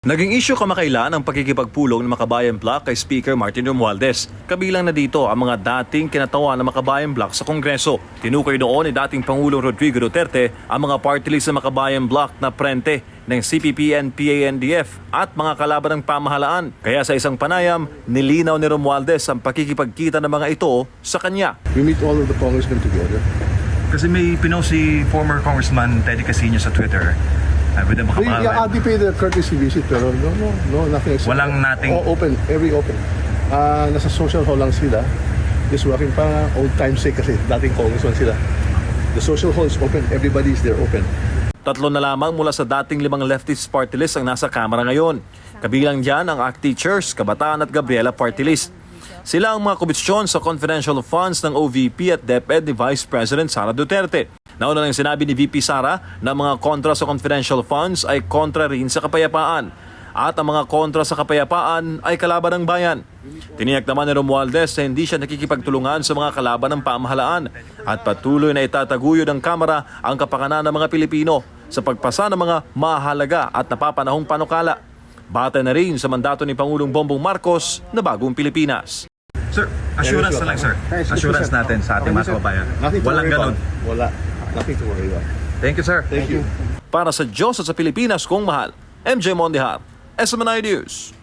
Naging issue kamakailan ang pakikipagpulong ng Makabayan Bloc kay Speaker Martin Romualdez. Kabilang na dito ang mga dating kinatawan ng Makabayan Bloc sa Kongreso. Tinukoy noon ni dating Pangulong Rodrigo Duterte ang mga party list ng Makabayan Bloc na prente ng CPP and PANDF at mga kalaban ng pamahalaan. Kaya sa isang panayam, nilinaw ni Romualdez ang pakikipagkita ng mga ito sa kanya. We meet all of the congressmen together. Kasi may pinost si former Congressman Teddy Casino sa Twitter. With the They pay the courtesy visit pero no, nothing. Walang nating... Open, every open. Nasa social hall lang sila. Just working pa old time's sake kasi dating congressman sila. The social hall is open, everybody is there open. Tatlo na lamang mula sa dating 5 leftist party list ang nasa Kamara ngayon. Kabilang dyan ang ACT Teachers, Kabataan at Gabriela party list. Sila ang mga komisyon sa confidential funds ng OVP at DepEd ni Vice President Sara Duterte. Nauna nang sinabi ni VP Sara na mga kontra sa confidential funds ay kontra rin sa kapayapaan. At ang mga kontra sa kapayapaan ay kalaban ng bayan. Tiniyak naman ni Romualdez na hindi siya nakikipagtulungan sa mga kalaban ng pamahalaan at patuloy na itataguyod ng Kamara ang kapakanan ng mga Pilipino sa pagpasa ng mga mahalaga at napapanahong panukala. Batay na rin sa mandato ni Pangulong Bongbong Marcos na bagong Pilipinas. Sir, assurance na lang sir. Assurance natin sa ating mga kababayan. Walang ganun. Wala. Nothing to worry about. Thank you sir. Thank you. Para sa Diyos at sa Pilipinas kong mahal, MJ Mondihar, SMNI News.